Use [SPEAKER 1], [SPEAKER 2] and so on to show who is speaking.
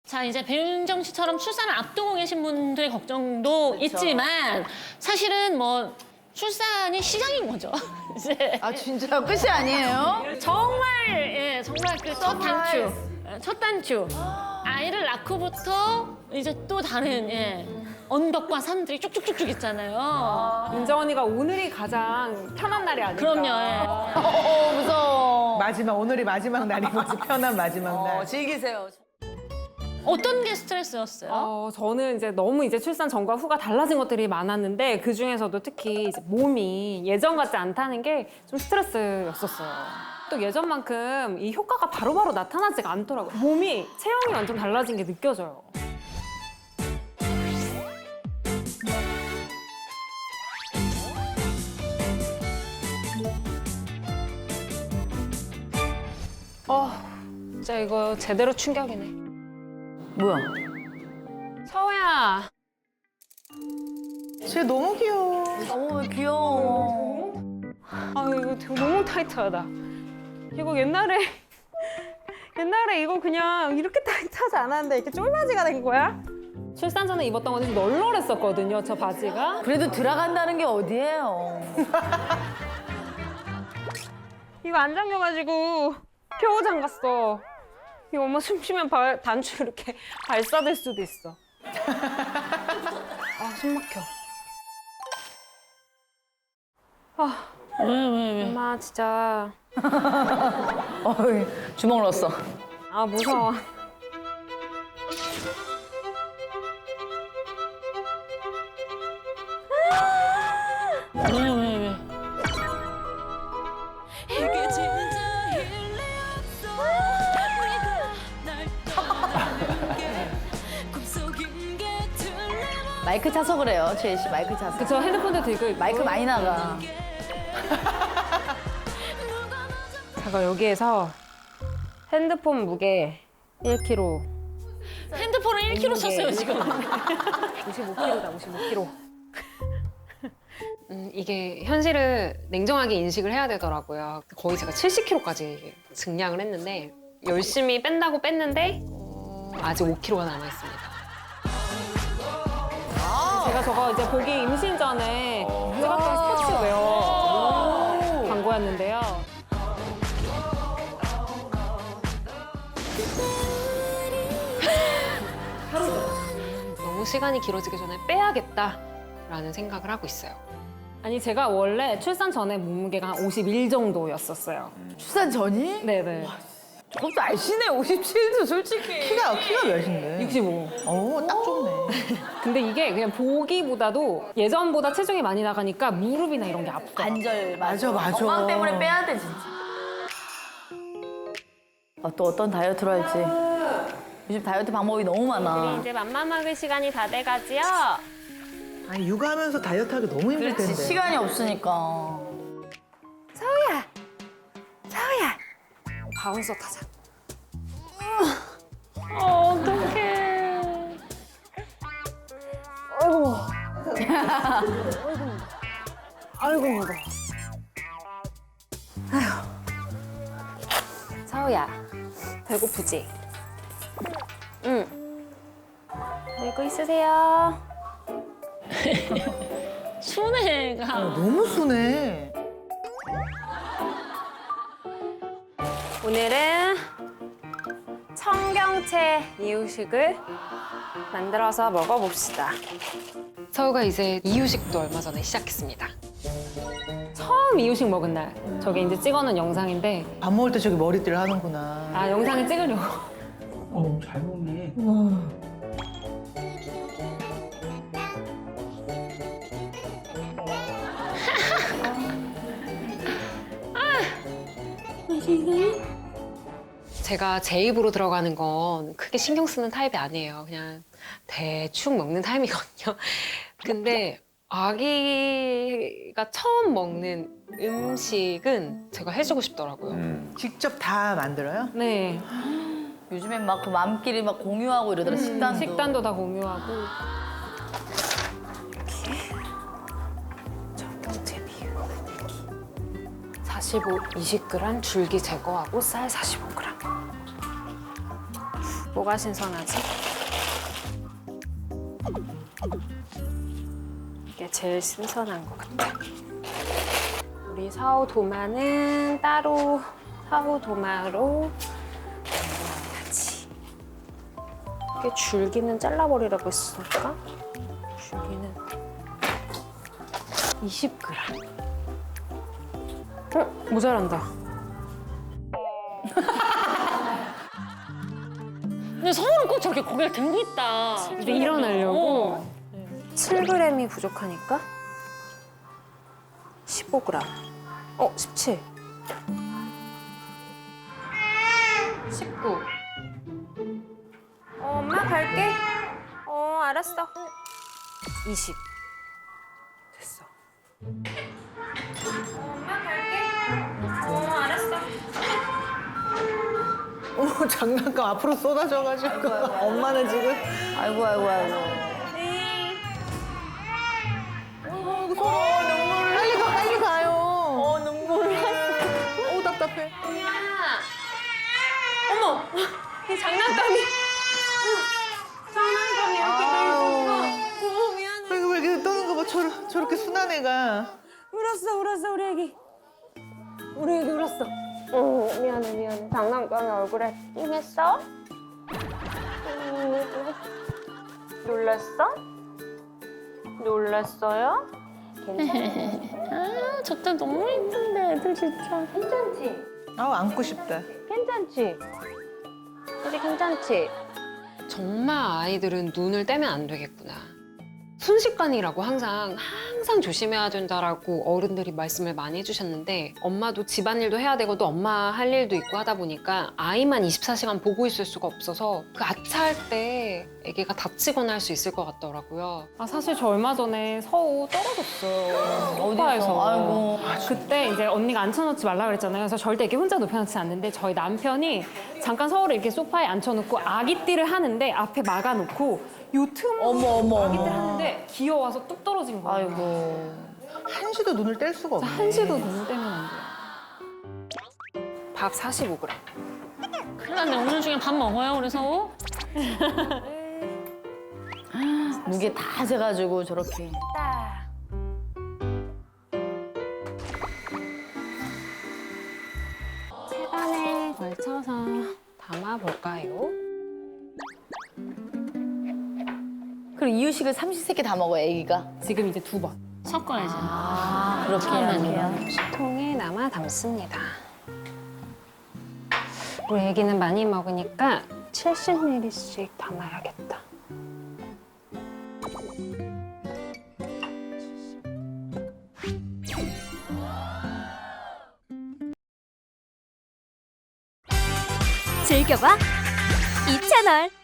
[SPEAKER 1] 자, 이제 배윤정 씨처럼 출산을 앞두고 계신 분들의 걱정도 있지만 사실은 뭐 출산이 시작인 거죠. 이제
[SPEAKER 2] 아 진짜 끝이 아니에요?
[SPEAKER 1] 정말 그 첫 단추. 아이를 낳고부터 이제 또 다른 언덕과 산들이 쭉쭉쭉쭉 있잖아요.
[SPEAKER 3] 은정 언니가 오늘이 가장 편한 날이 아닐까.
[SPEAKER 1] 그럼요.
[SPEAKER 2] 무서워.
[SPEAKER 4] 마지막 오늘이 마지막 날인 거지. 편한 마지막 날.
[SPEAKER 2] 즐기세요.
[SPEAKER 1] 어떤 게 스트레스였어요?
[SPEAKER 3] 저는 이제 너무 이제 출산 전과 후가 달라진 것들이 많았는데 그 중에서도 특히 이제 몸이 예전 같지 않다는 게 좀 스트레스였었어요. 또 예전만큼 이 효과가 바로바로 나타나지가 않더라고요. 몸이 체형이 완전 달라진 게 느껴져요. 진짜 이거 제대로 충격이네.
[SPEAKER 2] 뭐야?
[SPEAKER 3] 서우야.
[SPEAKER 4] 쟤 너무 귀여워.
[SPEAKER 2] 너무 귀여워.
[SPEAKER 3] 아 이거 되게 너무 타이트하다. 이거 옛날에 이거 그냥 이렇게 타이트하지 않았는데 이렇게 쫄바지가 된 거야? 출산 전에 입었던 건 좀 널널했었거든요, 저 바지가.
[SPEAKER 2] 그래도 들어간다는 게 어디예요?
[SPEAKER 3] 이거 안 잠겨가지고 겨우 잠갔어. 이거 엄마 숨 쉬면 단추 이렇게 발사될 수도 있어. 아, 숨 막혀.
[SPEAKER 1] 왜?
[SPEAKER 3] 엄마 진짜.
[SPEAKER 2] 주먹 넣었어.
[SPEAKER 3] 아, 무서워.
[SPEAKER 1] 왜?
[SPEAKER 2] 마이크 차서 그래요, 최애 씨. 마이크 차서.
[SPEAKER 3] 그쵸, 핸드폰도 들고 있고.
[SPEAKER 2] 마이크 많이 나가.
[SPEAKER 3] 제가 여기에서 핸드폰 무게 1kg.
[SPEAKER 1] 핸드폰을 1kg 썼어요, 지금.
[SPEAKER 3] 55kg다, 55kg. 이게 현실을 냉정하게 인식을 해야 되더라고요. 거의 제가 70kg까지 증량을 했는데 열심히 뺀다고 뺐는데 아직 5kg가 남아있습니다. 제가 저거 이제 보기 임신 전에 찍었던 스포츠웨어 광고였는데요. 너무 시간이 길어지기 전에 빼야겠다라는 생각을 하고 있어요. 아니 제가 원래 출산 전에 몸무게가 한 51 정도였었어요.
[SPEAKER 2] 출산 전이?
[SPEAKER 3] 네네.
[SPEAKER 2] 그것도 알시네, 57도 솔직히.
[SPEAKER 4] 키가 몇인데?
[SPEAKER 3] 65.
[SPEAKER 4] 딱 좋네.
[SPEAKER 3] 근데 이게 그냥 보기보다도 예전보다 체중이 많이 나가니까 무릎이나 이런 게 아프다.
[SPEAKER 2] 관절,
[SPEAKER 4] 맞아.
[SPEAKER 2] 건강 때문에 빼야 돼, 진짜. 또 어떤 다이어트를 할지. 요즘 다이어트 방법이 너무 많아.
[SPEAKER 3] 이제 맘마 먹을 시간이 다 돼가지요.
[SPEAKER 4] 아니 육아하면서 다이어트하기 너무 힘들 텐데.
[SPEAKER 2] 그렇지, 시간이 없으니까.
[SPEAKER 3] 서우야. 바운서 타자.
[SPEAKER 1] 어떡해.
[SPEAKER 3] 아이고 무거워. 서우야, 배고프지? 응. 놀고 있으세요.
[SPEAKER 1] 순애가.
[SPEAKER 4] 너무 순해.
[SPEAKER 3] 오늘은 청경채 이유식을 만들어서 먹어봅시다. 서우가 이제 이유식도 얼마 전에 시작했습니다. 처음 이유식 먹은 날, 저게 이제 찍어놓은 영상인데
[SPEAKER 4] 밥 먹을 때 저기 머리띠를 하는구나.
[SPEAKER 3] 아, 영상에 찍으려고.
[SPEAKER 5] 잘 먹네.
[SPEAKER 3] 제가 제 입으로 들어가는 건 크게 신경 쓰는 타입이 아니에요. 그냥 대충 먹는 타입이거든요. 근데 아기가 처음 먹는 음식은 제가 해주고 싶더라고요.
[SPEAKER 4] 직접 다 만들어요?
[SPEAKER 3] 네.
[SPEAKER 2] 요즘엔 막 그 맘끼리 막 공유하고 이러더라, 식단도.
[SPEAKER 3] 식단도 다 공유하고. 청경채 비율. 45, 20g, 줄기 제거하고 쌀 45g. 뭐가 신선하지? 이게 제일 신선한 것 같아. 우리 사오 도마는 따로 사오 도마로 같이. 이게 줄기는 잘라버리라고 했으니까 줄기는 20g. 모자란다.
[SPEAKER 1] 근데 서울은 꼭 저렇게 고개를 들고 있다.
[SPEAKER 3] 이제 일어나려고.
[SPEAKER 1] 어.
[SPEAKER 3] 7g이 부족하니까 15g. 17. 19. 엄마 갈게. 알았어. 20. 됐어. 엄마 갈게. 알았어.
[SPEAKER 4] 어머, 장난감 앞으로 쏟아져가지고 엄마는 지금
[SPEAKER 2] 아이고.
[SPEAKER 4] 빨리 가요. 눈물. 답답해.
[SPEAKER 3] 어머! 이 장난감이 이렇게 돼 있었어. 미안해.
[SPEAKER 4] 왜 이렇게 떠는 거 봐. 저렇게 순한 애가.
[SPEAKER 3] 울었어, 우리 애기. 우리 애기 울었어. 미안해. 장난감이 얼굴에 띵했어? 놀랐어? 놀랐어요?
[SPEAKER 1] 아, 저때 너무 예쁜데 애들 진짜.
[SPEAKER 3] 괜찮지?
[SPEAKER 4] 안고 싶다.
[SPEAKER 3] 괜찮지? 우리 괜찮지?
[SPEAKER 6] 정말 아이들은 눈을 떼면 안 되겠구나. 순식간이라고 항상 조심해야 된다라고 어른들이 말씀을 많이 해주셨는데 엄마도 집안일도 해야 되고 또 엄마 할 일도 있고 하다 보니까 아이만 24시간 보고 있을 수가 없어서 그 아차할 때 아기가 다치거나 할 수 있을 것 같더라고요.
[SPEAKER 3] 사실 저 얼마 전에 서우 떨어졌어요.
[SPEAKER 2] 어디서?
[SPEAKER 3] 소파에서.
[SPEAKER 2] 아이고.
[SPEAKER 3] 그때 이제 언니가 앉혀놓지 말라 그랬잖아요. 그래서 절대 이렇게 혼자 눕혀놓지 않는데 저희 남편이 잠깐 서우를 이렇게 소파에 앉혀놓고 아기띠를 하는데 앞에 막아놓고 요 틈으로
[SPEAKER 2] 어머.
[SPEAKER 3] 아기띠를 하는데 기어와서 뚝 떨어진 거예요.
[SPEAKER 2] 아이고.
[SPEAKER 4] 한시도 눈을 뗄 수가 없네.
[SPEAKER 3] 한시도 눈을 떼면 안 돼요.
[SPEAKER 6] 밥 45g.
[SPEAKER 1] 큰일 났네. 오늘 중에 밥 먹어요, 그래서?
[SPEAKER 2] 무게 다 재가지고 저렇게.
[SPEAKER 6] 세간에 걸쳐서 담아볼까요?
[SPEAKER 2] 그리고 이유식을 삼시세끼 다 먹어요, 애기가.
[SPEAKER 3] 지금 이제 2번.
[SPEAKER 1] 섞어야지.
[SPEAKER 2] 그렇게 해야
[SPEAKER 6] 통에 남아 담습니다. 우리 애기는 많이 먹으니까 70ml씩 담아야겠다.
[SPEAKER 7] 즐겨봐 이 채널.